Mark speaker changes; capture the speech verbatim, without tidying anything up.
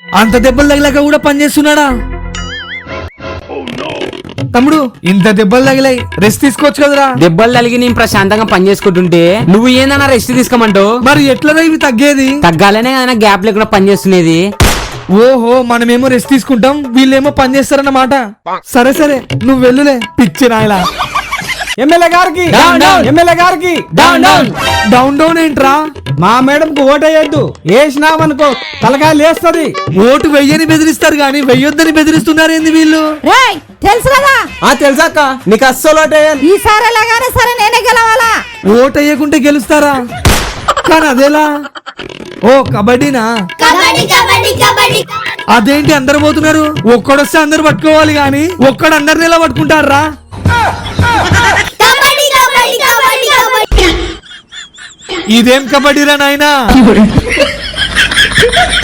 Speaker 1: అంత దెబ్బలు తగిలాక కూడా పని చేస్తున్నాడా? తమ్ముడు ఇంత దెబ్బలు తగిలాయి, రెస్ట్ తీసుకోవచ్చు కదరా?
Speaker 2: దెబ్బలు తగిలి నేను ప్రశాంతంగా పని చేసుకుంటుంటే నువ్వు ఏందన్నా రెస్ట్ తీసుకోమంటావు?
Speaker 1: మరి ఎట్లా ఇవి తగ్గేది?
Speaker 2: తగ్గాలనే కదా గ్యాప్ లేకుండా పని చేస్తున్నది.
Speaker 1: ఓహో, మనమేమో రెస్ట్ తీసుకుంటాం, వీళ్ళేమో పని చేస్తారన్నమాట. సరే సరే నువ్వు వెళ్ళులే పిచ్చి నాయలా.
Speaker 3: ఎమ్మెల్యే గారికి ఎమ్మెల్యే గారికి
Speaker 1: డౌన్ డౌన్ డౌన్ డౌన్ ఏంట్రా?
Speaker 3: మా మేడం కు ఓటేయద్దు, వేసినామనుకో తలకాయ లేస్తది.
Speaker 1: ఓటు వెయ్యని బెదిరిస్తారు గాని వెయ్యొద్దని బెదిరిస్తున్నారేంది వీళ్ళు?
Speaker 4: రేయ్ తెలుసు కదా,
Speaker 3: ఆ తెలుసాక నీకు అస్సలు ఓటేయను.
Speaker 4: ఈసారి ఎలాగానే సరే నేనే గెలవాలా.
Speaker 1: ఓటు వేయకుంటే గెలుస్తారా? కానీ అదేలా? ఓ కబడ్డీనా? అదేంటి అందరు పోతున్నారు? ఒక్కడొస్తే అందరు పట్టుకోవాలి గాని ఒక్కడు అందరిని ఎలా పట్టుకుంటారా? ఇదేం కబడ్డీరా నాయనా?